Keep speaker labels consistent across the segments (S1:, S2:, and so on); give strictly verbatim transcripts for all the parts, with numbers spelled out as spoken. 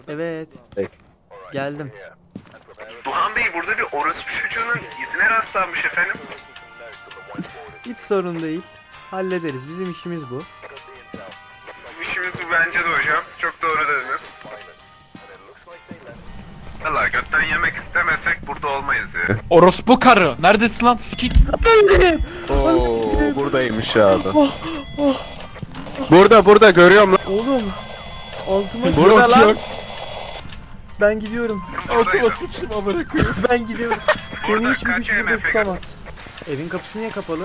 S1: Evet.
S2: Hey.
S1: Geldim.
S3: Duhan Bey burada bir orospu çocuğunun izine rastlanmış efendim.
S1: Hiç sorun değil. Hallederiz. Bizim işimiz bu.
S3: İşimiz bu bence de hocam. Çok doğru dediniz. Valla götten yemek istemesek burada olmayız ya.
S4: Orospu karı. Neredesin lan? Sikik.
S2: Oo, buradaymış abi.
S1: Oh, oh.
S2: Burada burada görüyorum lan.
S1: Oğlum. Altıma
S2: Burada
S1: sıçtım.
S2: lan.
S4: Yok.
S1: Ben gidiyorum.
S4: Altıma sıçtım amına koyayım.
S1: Ben gidiyorum. Beni
S3: Burada
S1: hiçbir güç
S3: kaç
S1: burada
S3: M F
S1: tutamaz. Evin kapısı niye kapalı?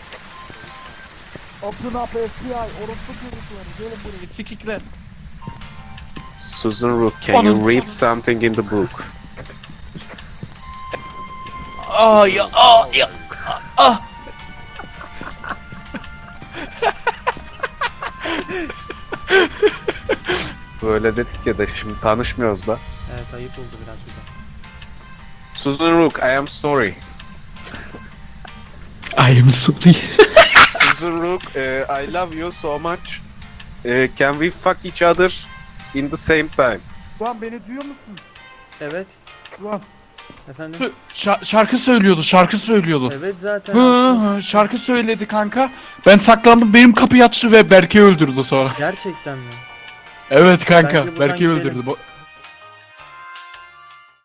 S5: Open up F B I, orospu çocukları, gelin buraya.
S4: Sikikler.
S2: Susan Rook, can you
S4: Onun-
S2: read something in the book?
S4: Aa ya aa ya. Ah.
S2: Böyle dedik ya da şimdi tanışmıyoruz da.
S1: Evet, ayıp oldu biraz bir de.
S2: Susan Rook, I am sorry.
S4: I am sorry.
S2: Susan Rook, uh, I love you so much. Uh, can we fuck each other in the same time?
S5: Ulan beni duyuyor musun?
S1: Evet.
S5: Ulan
S1: Efendim?
S4: Şa- şarkı söylüyordu, şarkı söylüyordu.
S1: Evet zaten.
S4: Hı hı, şarkı söyledi kanka. Ben saklandım, benim kapıyı açtı ve Berke'yi öldürdü sonra.
S1: Gerçekten mi?
S4: Evet
S1: Bence
S4: kanka,
S1: buradan
S4: Berke'yi
S1: gidelim.
S4: öldürdü. Bu-